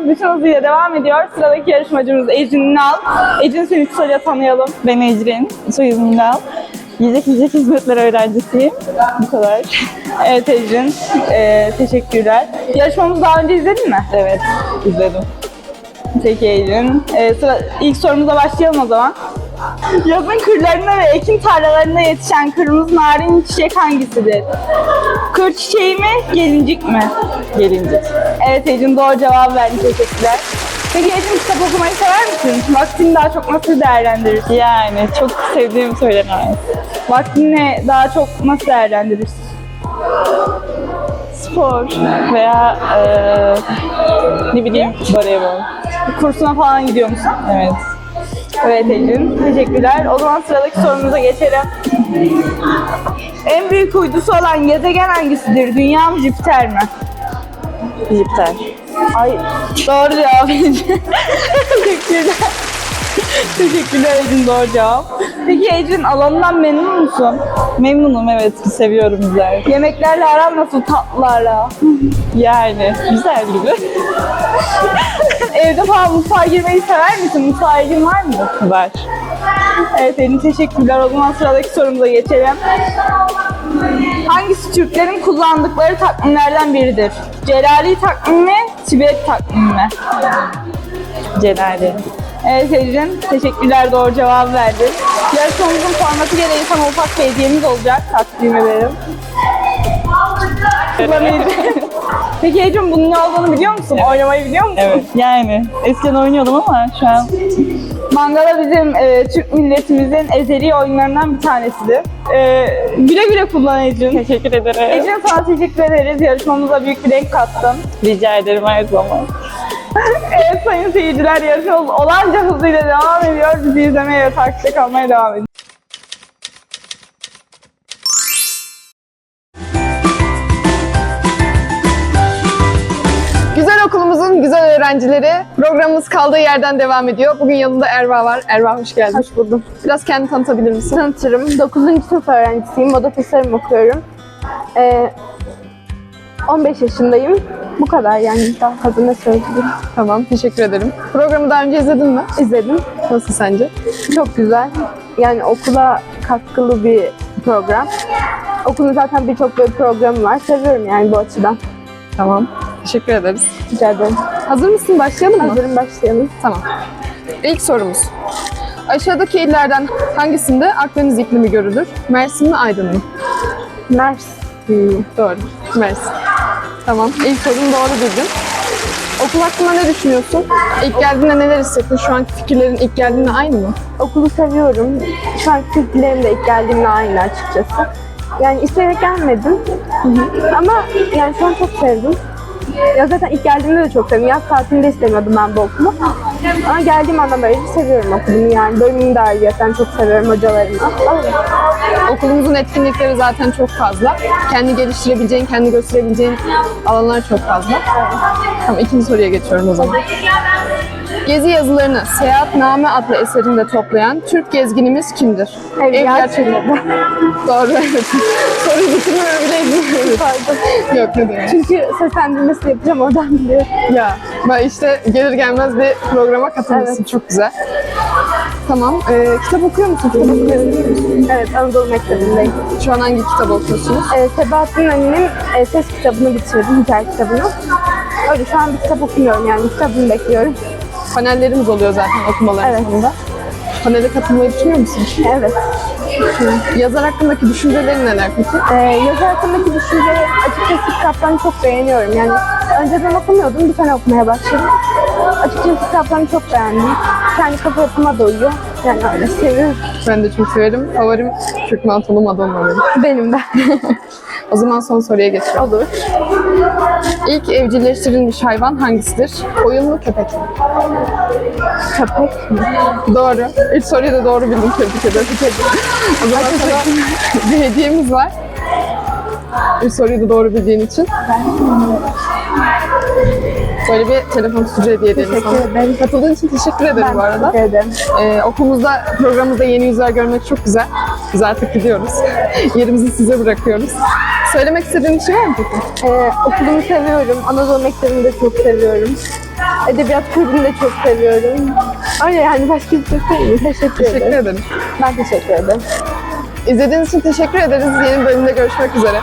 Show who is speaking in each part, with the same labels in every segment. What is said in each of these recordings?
Speaker 1: bütün hızıyla devam ediyor. Sıradaki yarışmacımız Ecrin Ünal. Ecrin, seni kısaca tanıyalım.
Speaker 2: Ben Ecrin, soyadım Ünal. Yiyecek hizmetler öğrencisiyim. Bu kadar.
Speaker 1: Evet Ecrin, teşekkürler. Yarışmamızı daha önce izledin mi?
Speaker 2: Evet, izledim.
Speaker 1: Peki Ecrin. İlk sorumuza başlayalım o zaman. Yazın kırlarında ve ekin tarlalarında yetişen kırmızı narin çiçek hangisidir? Kır çiçeği mi, gelincik mi?
Speaker 2: Gelincik.
Speaker 1: Evet Ecrin, doğru cevap verdi. Teşekkürler. Peki Ecrin, kitap okumayı sever misin? Vaktini daha çok nasıl değerlendirirsin?
Speaker 2: Yani çok sevdiğim söylenemez.
Speaker 1: Vaktini daha çok nasıl değerlendirirsin?
Speaker 2: Spor veya ne bileyim voleybol.
Speaker 1: Kursuna falan gidiyor musun?
Speaker 2: Evet.
Speaker 1: Evet Ecrin, teşekkürler. O zaman sıradaki sorumuza geçelim. En büyük uydusu olan gezegen hangisidir? Dünya mı, Jüpiter mi?
Speaker 2: Jüpiter.
Speaker 1: Ay, doğru cevap Ecrin. Teşekkürler. Teşekkürler Ecrin, doğru cevap. Peki Ecrin, alanından memnun musun?
Speaker 2: Memnunum, evet. Seviyorum güzel.
Speaker 1: Yemeklerle aran nasıl, tatlılarla?
Speaker 2: Yani güzel gibi.
Speaker 1: Evde falan mutfağa girmeyi sever misin? Mutfağa ilgin var mı?
Speaker 2: Var.
Speaker 1: Evet Ecrin, teşekkürler. O zaman sıradaki sorumuza geçelim. Hangisi Türklerin kullandıkları takvimlerden biridir? Celali takvimi mi, Tibet takvimi mi?
Speaker 2: Celali.
Speaker 1: Evet Ecrin, teşekkürler, doğru cevap verdin. Yarışmamızın formatı gereği sana ufak bir hediyemiz olacak, takdim ederim. Peki Ecrin, bunun ne olduğunu biliyor musun? Evet. Oynamayı biliyor musun?
Speaker 2: Evet. Yani eskiden oynuyordum ama şu an
Speaker 1: Mangala bizim Türk milletimizin ezeli oyunlarından bir tanesidir. Güle güle kullan Ecrin.
Speaker 2: teşekkür ederim.
Speaker 1: Ecrin, sana teşekkür ederiz. Yarışmamıza büyük bir renk kattın.
Speaker 2: Rica ederim her zaman.
Speaker 1: Evet sayın seyirciler, yarışmamız olanca hızıyla devam ediyor. Bizi izlemeye ve takipte kalmaya devam edin.
Speaker 3: Güzel okulumuzun güzel öğrencileri, programımız kaldığı yerden devam ediyor. Bugün yanında Erva var. Erva, hoş geldin.
Speaker 4: Hoş buldum.
Speaker 3: Biraz kendini tanıtabilir misin?
Speaker 4: Tanıtırım. 9. sınıf öğrencisiyim. Moda tasarım okuyorum. 15 yaşındayım. Bu kadar yani, daha fazla ne söyleyeyim.
Speaker 3: Tamam, teşekkür ederim. Programı daha önce izledin mi?
Speaker 4: İzledim.
Speaker 3: Nasıl sence?
Speaker 4: Çok güzel. Yani okula katkılı bir program. Okulun zaten birçok böyle programı var. Seviyorum yani bu açıdan.
Speaker 3: Tamam, teşekkür ederiz.
Speaker 4: Rica ederim.
Speaker 3: Hazır mısın? Başlayalım mı?
Speaker 4: Hazırım, başlayalım.
Speaker 3: Tamam. İlk sorumuz. Aşağıdaki illerden hangisinde Akdeniz iklimi görülür? Mersin mi, Aydın mı?
Speaker 4: Mersin.
Speaker 3: Doğru, Mersin. Tamam, ilk sorunu doğru bildin. Okul hakkında ne düşünüyorsun? İlk geldiğinde neler hissettin? Şu anki fikirlerin ilk geldiğinde aynı mı?
Speaker 4: Okulu seviyorum. Şu anki fikirlerim de ilk geldiğimde aynı açıkçası. Yani isteyerek gelmedim. Ama yani şu an çok sevdim. Ya zaten ilk geldiğimde de çok sevdim. Yaz tatilinde istemiyordum ben bu okulu. Ama geldiğim andan beri seviyorum okulumu yani. Bölümümü de ayrıyeten çok seviyorum, hocalarımı. Öyle.
Speaker 3: Okulumuzun etkinlikleri zaten çok fazla. Kendi geliştirebileceğin, kendi gösterebileceğin alanlar çok fazla. Tamam, ikinci soruya geçiyorum o zaman. Gezi yazılarını Seyahatname adlı eserinde toplayan Türk gezginimiz kimdir?
Speaker 4: Evliya Çelebi.
Speaker 3: Doğru, evet. Soruyu bitirmiyorum bile izliyorum.
Speaker 4: Pardon.
Speaker 3: Yok, ne demek.
Speaker 4: Çünkü seslendirmesi yapacağım, oradan biliyorum.
Speaker 3: Ya, ben işte gelir gelmez bir programa katılmışsın.
Speaker 4: Evet.
Speaker 3: Çok güzel. Tamam, kitap okuyor musun? Kitap okuyor musun?
Speaker 4: Evet, Anadolu Mektebi'ndeyim.
Speaker 3: Şu an hangi kitabı okuyorsunuz?
Speaker 4: Sebahattin Ali'nin ses kitabını bitirdim, hikaye kitabını. Öyle şu an bir kitap okumuyorum yani, kitabını bekliyorum.
Speaker 3: Panellerimiz oluyor zaten okumalar
Speaker 4: Evet.
Speaker 3: sonunda. Panele katılmayı düşünüyor musun?
Speaker 4: Evet.
Speaker 3: Yazar hakkındaki düşüncelerin neler peki?
Speaker 4: Yazı hakkındaki düşünceleri, açıkçası kitaplarını çok beğeniyorum. Yani önceden okumuyordum, bir sene okumaya başladım. Açıkçası kitaplarını çok beğendim. Kendi kafa yapıma da uyuyor. Yani öyle seviyorum.
Speaker 3: Ben de çok severim. Favorim Türk Mantolu Madonna benim.
Speaker 4: Benim de.
Speaker 3: O zaman son soruya geçiyorum.
Speaker 4: Olur.
Speaker 3: İlk evcilleştirilmiş hayvan hangisidir? Koyun mu, köpek mi?
Speaker 4: Köpek mi?
Speaker 3: Doğru. İlk soruyu da doğru bildim. Tebrik ederim. O zaman sana bir hediyemiz var. İlk soruyu da doğru bildiğin için. Böyle bir telefon tutucu hediye edelim sana.
Speaker 4: Teşekkür ederim.
Speaker 3: Katıldığın için teşekkür ederim bu arada.
Speaker 4: Teşekkür ederim.
Speaker 3: Okulumuzda, programımızda yeni yüzler görmek çok güzel. Biz artık gidiyoruz. Yerimizi size bırakıyoruz. Söylemek istediğin bir şey var mı peki?
Speaker 4: Okulumu seviyorum. Anadolu Mektebi'ni de çok seviyorum. Edebiyat kulübünü de çok seviyorum. Öyle yani başka bir şey söyleyeyim. Teşekkür
Speaker 3: Teşekkür
Speaker 4: ederim.
Speaker 3: ederim.
Speaker 4: Ben teşekkür ederim.
Speaker 3: İzlediğiniz için teşekkür ederiz. Yeni bölümde görüşmek üzere.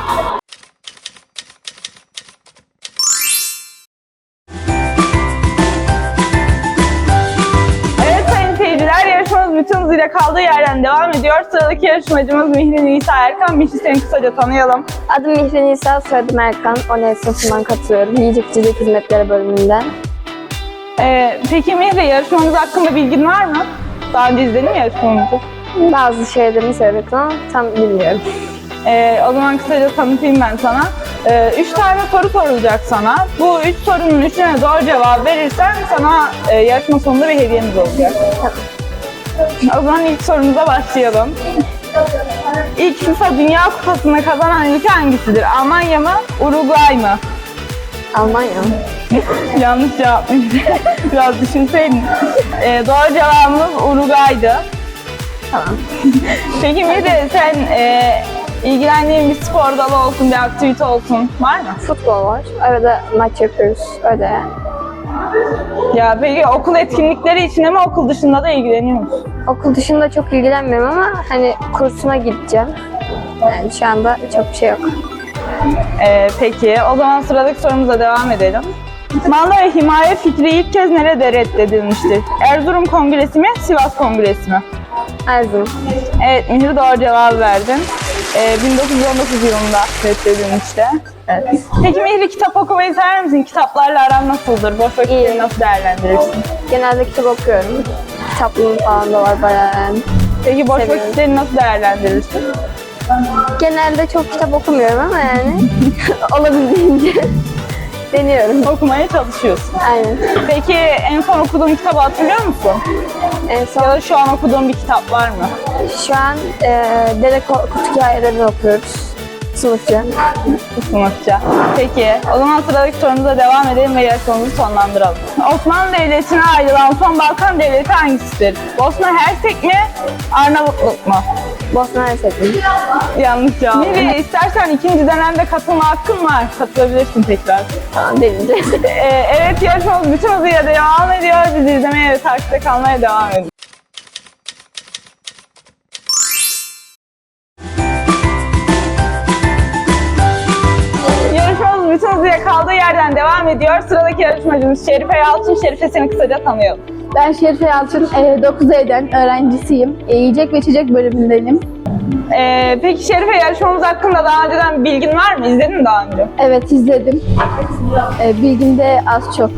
Speaker 1: Evet sayın seyirciler, yarışmamız bütün hızıyla kaldığı yerden devam ediyor. Sıradaki yarışmacımız Mihri Nisa Erkan. Mihri, seni kısaca tanıyalım.
Speaker 4: Adım Mihri Nisa, soyadım Erkan. ONE sınıfından katılıyorum. Yiyecek içecek hizmetleri bölümünden.
Speaker 1: Peki Mihri, yarışmamız hakkında bilgin var mı? Daha önce izledin mi yarışmamızı?
Speaker 4: Bazı şeylerini söyledim ama tam bilmiyorum.
Speaker 1: O zaman kısaca tanıtayım ben sana. 3 tane soru sorulacak sana. Bu 3 sorunun 3'üne doğru cevap verirsen sana yarışma sonunda bir hediyemiz olacak. O zaman ilk sorumuza başlayalım. İlk FIFA Dünya Kupası'nı kazanan ülke hangisidir? Almanya mı? Uruguay mı?
Speaker 4: Almanya.
Speaker 1: Yanlış cevap. Biraz düşünseydin. Doğru cevabımız Uruguay'dı.
Speaker 4: Tamam.
Speaker 1: Peki Mide, sen ilgilendiğin bir spor dalı olsun, bir aktivite olsun var mı?
Speaker 4: Futbol var. Arada maç yapıyoruz. Öyle yani.
Speaker 1: Ya peki okul etkinlikleri içinde mi, okul dışında da ilgileniyor musun?
Speaker 4: Okul dışında çok ilgilenmiyorum ama hani kursuna gideceğim. Yani şu anda çok bir şey yok.
Speaker 1: Peki o zaman sıradaki sorumuza devam edelim. Manda ve himaye fikri ilk kez nerede reddedilmiştir? Erzurum Kongresi mi, Sivas Kongresi mi?
Speaker 4: Erzurum.
Speaker 1: Evet, Mihri doğru cevabı verdin. 1919 yılında reddedilmişti. Evet. Peki Mihri, kitap okumayı sever misin? Kitaplarla aran nasıldır? Boş vakitleri nasıl değerlendirirsin?
Speaker 4: Genelde kitap okuyorum. Kitaplığım falan da var bayağı yani.
Speaker 1: Peki boş
Speaker 4: Seviyorum.
Speaker 1: vakitleri nasıl değerlendirirsin?
Speaker 4: Genelde çok kitap okumuyorum ama yani olabildiğince deniyorum.
Speaker 1: Okumaya çalışıyorsun.
Speaker 4: Aynen.
Speaker 1: Peki en son okuduğun kitabı hatırlıyor musun?
Speaker 4: En
Speaker 1: Ya
Speaker 4: son
Speaker 1: da şu an okuduğun bir kitap var mı?
Speaker 4: şu an Dede Korkut hikayelerini okuyoruz. Sınıfça.
Speaker 1: Sınıfça. Peki o zaman sıradaki sorumuza devam edelim ve yarışmamızı sonlandıralım. Osmanlı Devleti'ne ayrılan son Balkan Devleti hangisidir? Bosna Hersek mi? Arnavutluk mu?
Speaker 4: Bosna Hersek.
Speaker 1: Yanlış cevap. Miri, istersen ikinci dönemde katılma hakkın var. Katılabilirsin tekrar.
Speaker 4: Tamam deneyeceğiz.
Speaker 1: Evet, yarışmamız bütün hızıyla devam ediyor. Bizi izlemeye ve takipte kalmaya devam edin. Yarışmamız bütün hızıyla kaldığı yerden devam ediyor. Sıradaki yarışmacımız Şerife Yalçın. Şerife, seni kısaca tanıyalım.
Speaker 5: Ben Şerife Yalçın, 9E'den öğrencisiyim. Yiyecek ve içecek bölümündenim.
Speaker 1: Peki Şerife, yarışmamız hakkında daha önceden bilgin var mı? İzledin mi daha önce?
Speaker 5: Evet, izledim. Bilgim de az çok.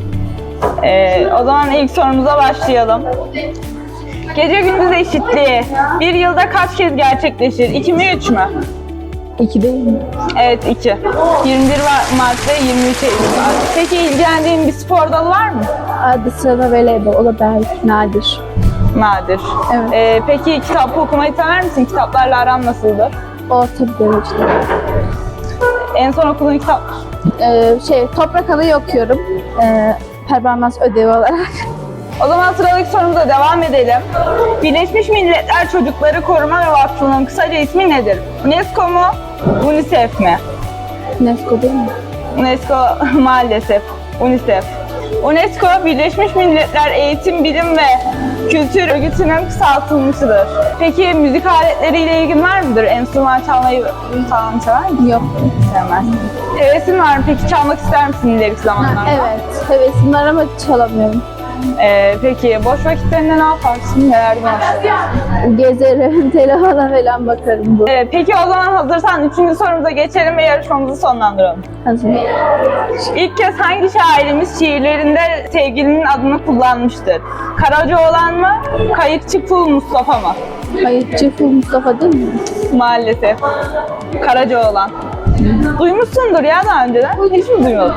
Speaker 1: O zaman ilk sorumuza başlayalım. Gece gündüz eşitliği bir yılda kaç kez gerçekleşir? 2 mi 3 mü?
Speaker 5: 2 değil mi?
Speaker 1: Evet, 2. 21 Mart ve 23 Eylül var. Peki ilgilendiğin bir spor dalı var mı?
Speaker 5: Adı sırada voleybol, o da belki nadir.
Speaker 1: Nadir.
Speaker 5: Evet.
Speaker 1: Peki kitap okumayı sever misin? Kitaplarla aran nasıldır?
Speaker 5: Orta bir derecede.
Speaker 1: En son okuduğun kitap?
Speaker 5: Toprak Alayı okuyorum. Performans ödevi olarak.
Speaker 1: O zaman sıradaki sorumuza devam edelim. Birleşmiş Milletler Çocukları Koruma ve Vakfı'nın kısaca ismi nedir? UNESCO mu? UNICEF mi?
Speaker 5: UNESCO değil mi?
Speaker 1: UNESCO maalesef. UNICEF. UNESCO, Birleşmiş Milletler Eğitim, Bilim ve Kültür Örgütü'nün kısaltılmışıdır. Peki müzik aletleriyle ilgin var mıdır? Enstrüman çalmayı falan sever misin?
Speaker 5: Yok.
Speaker 1: Sevmez. Hevesin var mı? Peki çalmak ister misin ileriki zamanlarda?
Speaker 5: Evet, hevesim var ama çalamıyorum.
Speaker 1: Peki boş vakitlerinde ne yaparsın? Nelerden hoşlanırsın?
Speaker 5: Gezerim, telefona falan bakarım bu.
Speaker 1: Peki o zaman hazırsan 3. sorumuza geçelim ve yarışmamızı sonlandıralım.
Speaker 5: Hazır.
Speaker 1: İlk kez hangi şairimiz şiirlerinde sevgilinin adını kullanmıştır? Karacaoğlan mı? Kayıkçı Kul Mustafa mı?
Speaker 5: Kayıtçı Ful Mustafa değil mi?
Speaker 1: Maalesef. Karacaoğlan. Duymuşsundur ya daha önceden. Hiç mi duymadın?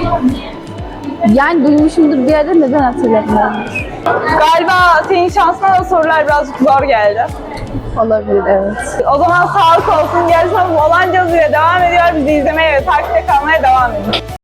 Speaker 5: Yani duymuşumdur bir yerde, neden hatırlamıyorum.
Speaker 1: Galiba senin şansına da sorular birazcık zor geldi.
Speaker 5: Olabilir, evet.
Speaker 1: O zaman sağlık olsun. Yarışmamız Olancaz ile devam ediyor. Bizi izlemeye ve takipte kalmaya devam edin.